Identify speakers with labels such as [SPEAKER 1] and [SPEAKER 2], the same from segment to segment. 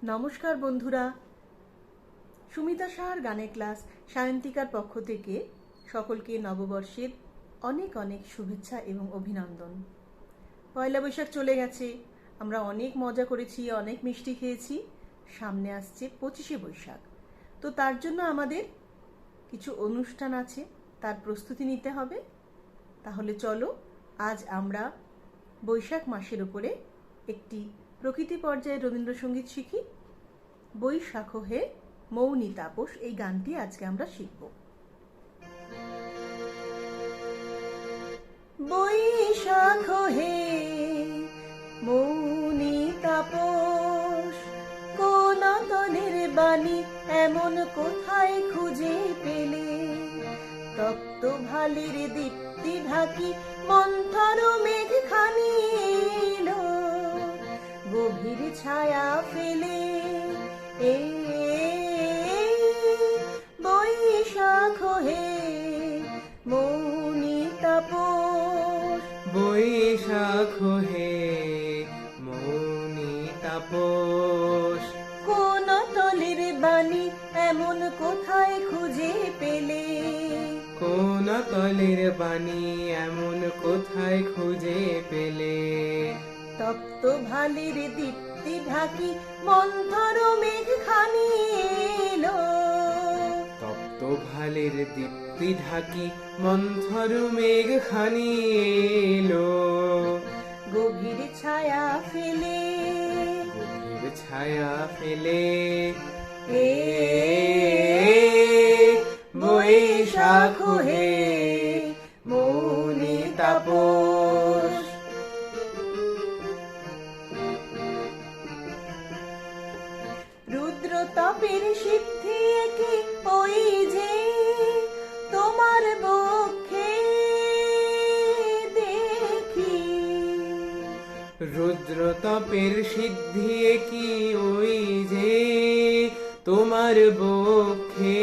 [SPEAKER 1] নমস্কার বন্ধুরা, সুমিতা সাহার গানের ক্লাস সায়ন্তিকার পক্ষ থেকে সকলকে নববর্ষের অনেক অনেক শুভেচ্ছা এবং অভিনন্দন। পয়লা বৈশাখ চলে গেছে, আমরা অনেক মজা করেছি, অনেক মিষ্টি খেয়েছি। সামনে আসছে 25শে বৈশাখ, তো তার জন্য আমাদের কিছু অনুষ্ঠান আছে, তার প্রস্তুতি নিতে হবে। তাহলে চলো আজ আমরা বৈশাখ মাসের উপরে একটি প্রকৃতি পর্যায়ে রবীন্দ্রসঙ্গীত শিখি। বৈশাখ হে মৌনি তাপস, এই গানটি আজকে আমরা শিখব। বৈশাখ হে মৌনি তাপস, কোন তনের বাণী এমন কোথায় খুঁজে পেলে? তপ্ত ভালির দীপ্তি ঢাকি মন্থর মেঘ খানি এলো, গভীর ছায়া ফেলে। বৈশাখ হে মৌনি তাপস,
[SPEAKER 2] বৈশাখ হে মৌনি তাপস,
[SPEAKER 1] কোন তলের বাণী এমন কোথায় খুঁজে পেলে?
[SPEAKER 2] কোন তলের বাণী এমন কোথায় খুঁজে পেলে?
[SPEAKER 1] তপ্ত ভালির দীপ্তি ঢাকি মন্থর মেঘ খানি এলো,
[SPEAKER 2] তপ্ত ভালের দীপ্তি ঢাকি মন্থর মেঘ খানি এলো,
[SPEAKER 1] গভীর ছায়া ফেলে।
[SPEAKER 2] গভীর ছায়া ফেলে। বৈশাখ হে মৌনি তাপস,
[SPEAKER 1] রুদ্র তপের সিদ্ধি কি ওই যে তোমার বক্ষে দেখি?
[SPEAKER 2] রুদ্র তপের সিদ্ধি কি ওই যে তোমার বক্ষে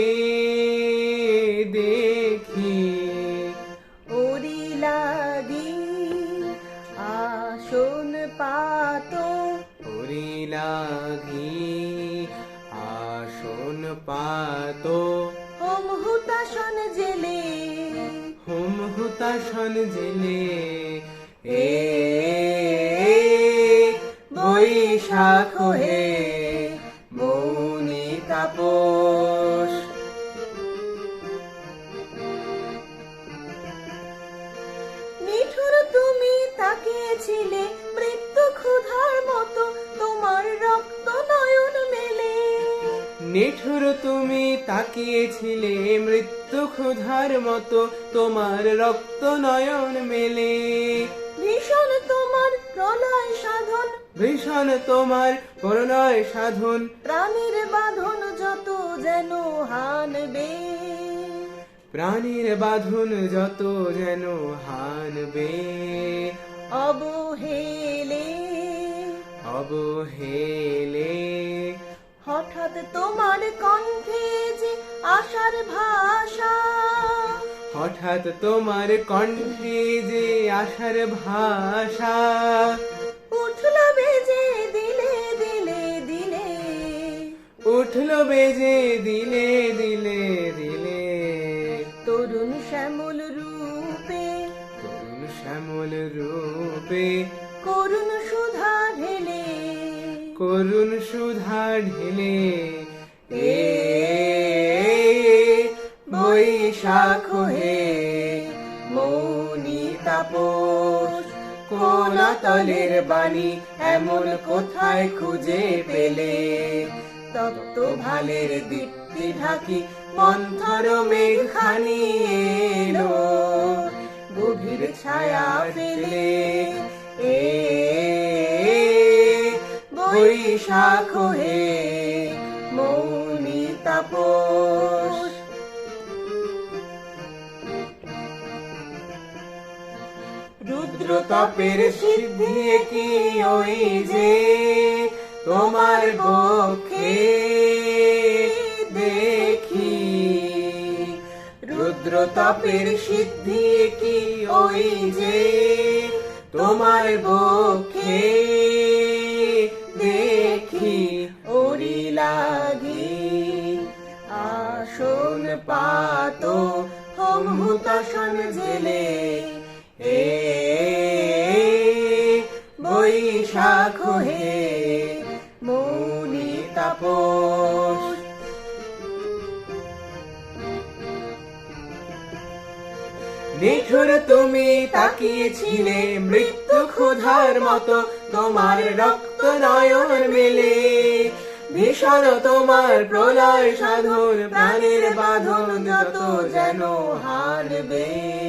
[SPEAKER 2] দেখি?
[SPEAKER 1] ওরি লাগি আসন পাত,
[SPEAKER 2] ওরি লাগি আসন পাত,
[SPEAKER 1] হোম হুতাসন জেলে।
[SPEAKER 2] হোম হুতাসন জেলে। বৈশাখ হে মৌনি তাপস,
[SPEAKER 1] নিঠুর তুমি তাকিয়েছিলে মৃত্যু ক্ষুধার মতো, তোমার রক্ত নয়ন মেলে।
[SPEAKER 2] নিঠুর তুমি তাকিয়েছিলে মৃত্যু ক্ষুধার মতো, তোমার রক্ত নয়ন মেলে।
[SPEAKER 1] ভীষণ তোমার প্রলয় সাধন,
[SPEAKER 2] ভীষণ তোমার প্রণয় সাধন,
[SPEAKER 1] প্রাণীর বাঁধন যত যেন হানবে।
[SPEAKER 2] প্রাণীর বাঁধন যত যেন হানবে।
[SPEAKER 1] অবহেলে
[SPEAKER 2] অবহেলে
[SPEAKER 1] হঠাৎ তোমার কণ্ঠে যে আশার ভাষা,
[SPEAKER 2] হঠাৎ তোমার কণ্ঠে যে আশার ভাষা,
[SPEAKER 1] উঠল বেজে দিলে দিলে দিলে।
[SPEAKER 2] উঠল বেজে দিলে দিলে দিলে।
[SPEAKER 1] তরুণ শ্যামল রূপে,
[SPEAKER 2] তরুণ শ্যামল রূপে,
[SPEAKER 1] করুণ সুধা ঢেলে।
[SPEAKER 2] করুণ সুধা ঢেলে। বৈশাখ হে মৌনি তাপস, কোন তলের বাণী এমন কোথায় খুঁজে পেলে? তপ্ত ভালের দীপ্তি ঢাকি মন্থর মেঘ খানি এলো, গভীর ছায়া ফেলে। বৈশাখ হে মৌনি তাপস, রুদ্র তপের সিদ্ধি কি ওই যে তোমার বক্ষে দেখি? রুদ্র তপের সিদ্ধি কি ওই যে তোমার বক্ষে দেখি? হুতাশন জেলে এ বৈশাখ হে মৌনি তাপস। নিঠুর তুমি তাকিয়েছিলে মৃত্যু ক্ষুধার মতো, তোমার রক্ত নয়ন মেলে ভীষণ তোমার প্রলয় সাধন, প্রাণের বাঁধন যত যেন হারবে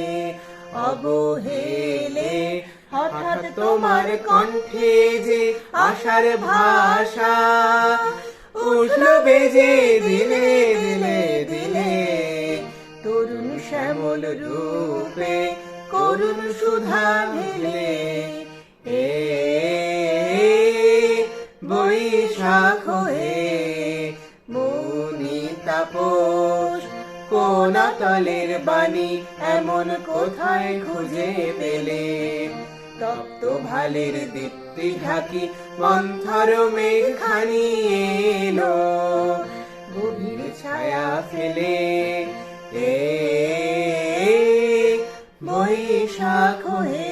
[SPEAKER 2] অবহেলে। হঠাৎ তোমার কণ্ঠে যে আশার ভাষা উঠল বেজে দিলে দিলে দিলে, তরুণ শ্যামল রূপে করুণ সুধা ঢেলে এ বৈশাখ হে মৌনি তাপস। কোন তলের বাণী এমন কোথায় খুঁজে পেলে, তপ্ত ভালের দীপ্তি ঢাকি মন্থর মেঘখানি এলো গভীর ছায়া ফেলে এ বৈশাখ হে